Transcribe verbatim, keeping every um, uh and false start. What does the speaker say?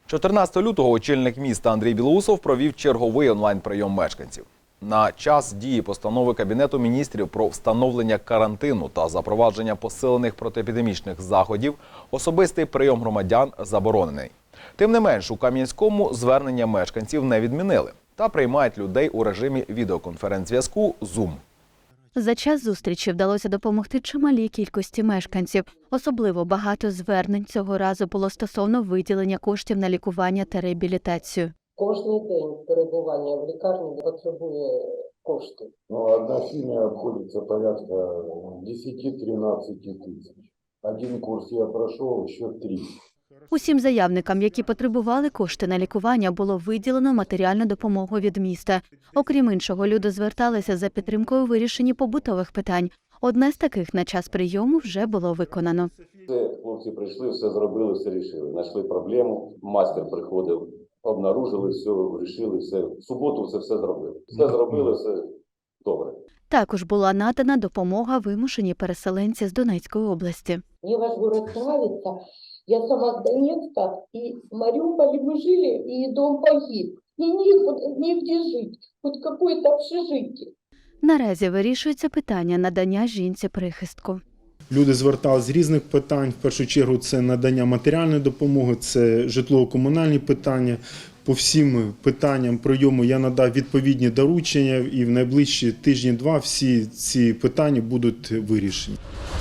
чотирнадцятого лютого очільник міста Андрій Білоусов провів черговий онлайн-прийом мешканців. На час дії постанови Кабінету міністрів про встановлення карантину та запровадження посилених протиепідемічних заходів особистий прийом громадян заборонений. Тим не менш, у Кам'янському звернення мешканців не відмінили та приймають людей у режимі відеоконференц-зв'язку Zoom. За час зустрічі вдалося допомогти чималій кількості мешканців. Особливо багато звернень цього разу було стосовно виділення коштів на лікування та реабілітацію. Кожний день перебування в лікарні потребує кошти. Ну, одна сім'я обходиться порядка десять-тринадцать тисяч. Один курс я пройшов, ще три. Усім заявникам, які потребували кошти на лікування, було виділено матеріальну допомогу від міста. Окрім іншого, люди зверталися за підтримкою у вирішенні побутових питань. Одне з таких на час прийому вже було виконано. Все, хлопці прийшли, все зробили, все рішили. Знайшли проблему, майстер приходив, обнаружили все, вирішили все. В суботу це все зробили. Все зробили, все добре. Також була надана допомога вимушеній переселенці з Донецької області. Мне ваш город нравится. Я сама с Донецка, и в Мариуполе мы жили, и дом погиб. И негде, негде жить, хоть какое-то общежитие. Наразі вирішується питання надання жінці прихистку. Люди зверталися з різних питань. В першу чергу це надання матеріальної допомоги, це житлово-комунальні питання. По всім питанням прийому я надав відповідні доручення і в найближчі тижні-два всі ці питання будуть вирішені.